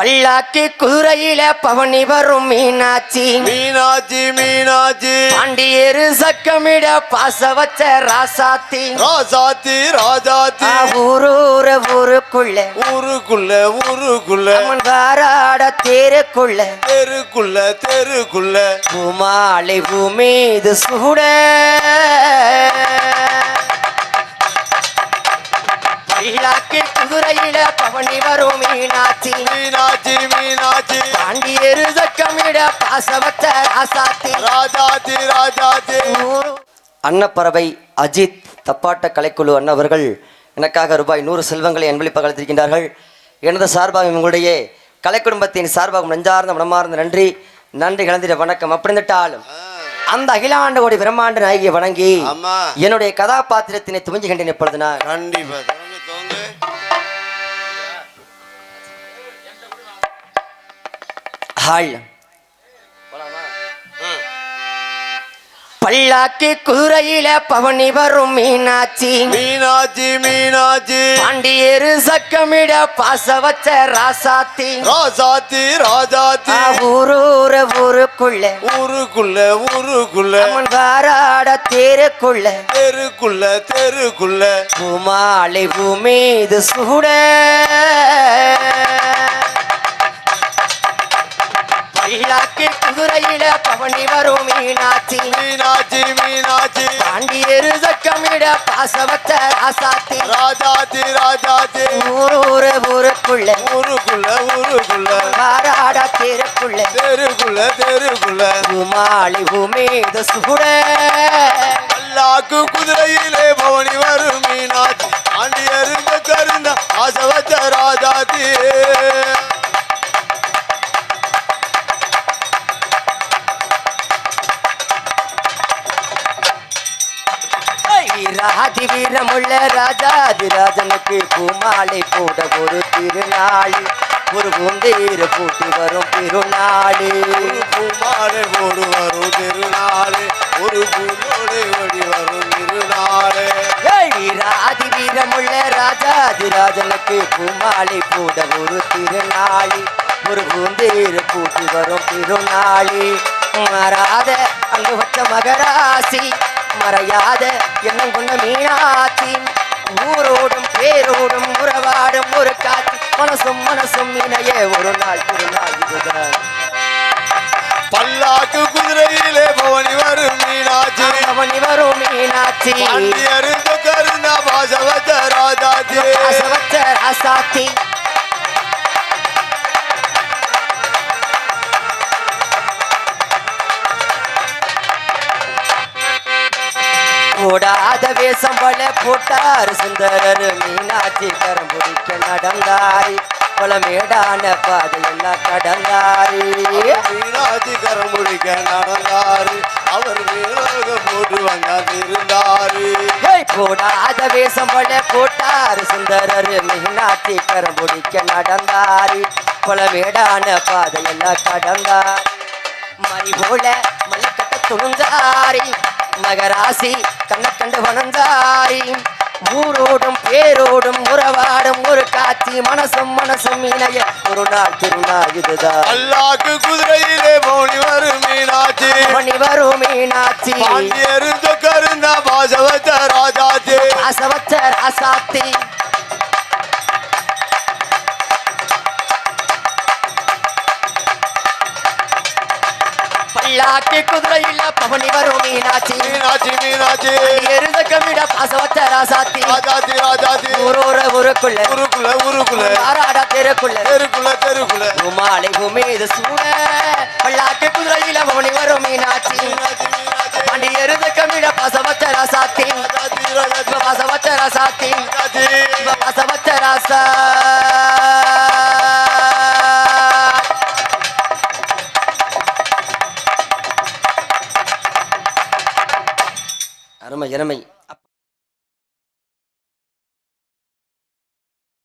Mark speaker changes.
Speaker 1: பல்லாக்கு குதிரையில பவனி வரும் மீனாட்சி
Speaker 2: மீனாட்சி மீனாட்சி
Speaker 1: பாண்டியரு சக்கமிட பாச வச்ச ராசாத்தி
Speaker 2: ராசாத்தி ராஜாத்தி
Speaker 1: ஊரூர ஊருக்குள்ள
Speaker 2: ஊருக்குள்ள ஊருக்குள்ள
Speaker 1: வாராட தேருக்குள்ள
Speaker 2: தெருக்குள்ள தெருக்குள்ள
Speaker 1: பூமாலை பூமீது சூட பல்லாக்கு குதிரையில பவனி வரும் மீனாட்சி
Speaker 2: மீனாட்சி மீனாட்சி
Speaker 1: பாண்டியரு சக்கமிட பாச வச்ச ராசாத்தி
Speaker 2: ராஜாத்தி ராஜாத்தி.
Speaker 1: அன்னப்பறவை அஜித் தப்பாட்ட கலைக்குழு அண்ணவர்கள் எனக்காக ரூபாய் 100 செல்வங்களை அன்பளிப்பாக அளித்திருக்கின்றார்கள். எனது சார்பாக உங்களுடைய கலை குடும்பத்தின் சார்பாக நெஞ்சார்ந்த மனமார்ந்த நன்றி நன்றி கலந்திட வணக்கம். அப்படி இருந்துட்டாலும் அந்த அகிலாண்ட கோடி பிரம்மாண்ட நாயகியை வணங்கி என்னுடைய கதாபாத்திரத்தினை துவங்குகின்றேன். எப்பொழுது நான்
Speaker 2: கண்டிப்பா
Speaker 1: பல்லாக்கு குதிரையில பவனி வரும் மீனாட்சி
Speaker 2: மீனாட்சி மீனாட்சி
Speaker 1: பாண்டியரு சக்கமிட பாச வச்ச ராசாத்தி
Speaker 2: ராசாத்தி ராஜாத்தி
Speaker 1: ஊரூர ஊருக்குள்ள
Speaker 2: ஊருக்குள்ள ஊருக்குள்ள
Speaker 1: வாராட தேருக்குள்ள
Speaker 2: தெருக்குள்ள தெருக்குள்ள
Speaker 1: பூமாலை பூமீது சூட பல்லாக்கு குதிரையில பவனி வரும் மீனாட்சி
Speaker 2: மீனாட்சி மீனாட்சி
Speaker 1: பாண்டியரு சக்கமிட பாச வச்ச ராசாத்தி
Speaker 2: ராஜாத்தி ராஜாத்தி
Speaker 1: ஊரூர ஊருக்குள்ள
Speaker 2: ஊருக்குள்ள ஊருக்குள்ள
Speaker 1: வாராட தேருக்குள்ள
Speaker 2: தெருக்குள்ள தெருக்குள்ள
Speaker 1: பூமாலை பூமீது சூட
Speaker 2: பல்லாக்கு குதிரையிலே பவனி வரும் மீனாட்சி ஆண்டியருந்த கருந்த ஆசை வச்ச ராஜாத்தி
Speaker 1: ராதி வீரமுள்ள ராஜாதிராஜனுக்கு பூமாலை போட ஒரு திருநாள் ஒரு பூந்தேர பூட்டி வரும் திருநாள்
Speaker 2: பூமாலை போடு வரும் திருநாள் ஒரு பூந்தோடு ஓடி வரும் திருநாள்
Speaker 1: ராதி வீரமுள்ள ராஜாதிராஜனுக்கு பூமாலை போட ஒரு திருநாள் ஒரு பூந்தேர பூட்டி வரும் திருநாள் மாறாத அங்கு வச்ச மகராசி மறையாத எண்ணம் கொண்ட மீனாட்சி ஊரோடும் பேரோடும் உறவாடும் ஒரு காட்சி மனசும் மனசும் இணைய ஒரு நாள் திருநாள் இதுதான்.
Speaker 2: பல்லாக்கு குதிரையிலே பவனி வரும் மீனாட்சி
Speaker 1: பவனி வரும் மீனாட்சி
Speaker 2: அருந்த கருந்த பாசவச்ச ராஜாத்தி
Speaker 1: பாசவச்ச ராசாத்தி போடாத வேஷம் பல போட்டார் சுந்தரர் மீனாட்சி கரம் பிடிக்க நடந்தாரி பல மேடான பாதையெல்லாம் கடந்தாரி
Speaker 2: மீனாட்சி கரம் பிடிக்க நடந்தாரு அவர் மீனாக போட்டு வந்தாரு
Speaker 1: போடாத வேஷம் பல போட்டார் சுந்தரர் மீனாட்சி கரம் பிடிக்க நடந்தாரி பல மேடான பாதையெல்லாம் கடந்தார் மறி போல மலைக்கட்ட துணிந்தாரி மகராசி கண்ண கண்டு வணந்தாரி ஊரோடும் பேரோடும் உறவாடும் ஒரு காட்சி மனசும் மனசும் இணைய ஒரு நாள் திருநாள் இதுதான்.
Speaker 2: பல்லாக்கு குதிரையிலே பவனி வரும் மீனாட்சி
Speaker 1: பவனி வரும் மீனாட்சி
Speaker 2: பாண்டியருந்த கருந்த பாசவச்ச ராஜாத்தி
Speaker 1: பாசவச்ச ராசாத்தி பல்லாக்கு குதிரையில பவனி வரும் மீனாட்சி
Speaker 2: மீனாட்சி மீனாட்சி
Speaker 1: எருத கமிட பாசவச்ச ராசாத்தி
Speaker 2: ராஜாத்தி ராஜாத்தி
Speaker 1: ஊரோர ஊருக்குள்ள
Speaker 2: ஊருக்குள்ள ஊருக்குள்ள
Speaker 1: ஆராட தெருக்குள்ள
Speaker 2: தெருக்குள்ள தெருக்குள்ள
Speaker 1: பூமாலை பூமீது சூட பல்லாக்கு குதிரையில பவனி வரும் மீனாட்சி பாண்டி எருத கமிட பாசவச்ச ராசாத்தி பாசவச்ச ராசாத்தி பாசவச்ச ராசா அருமை அருமை.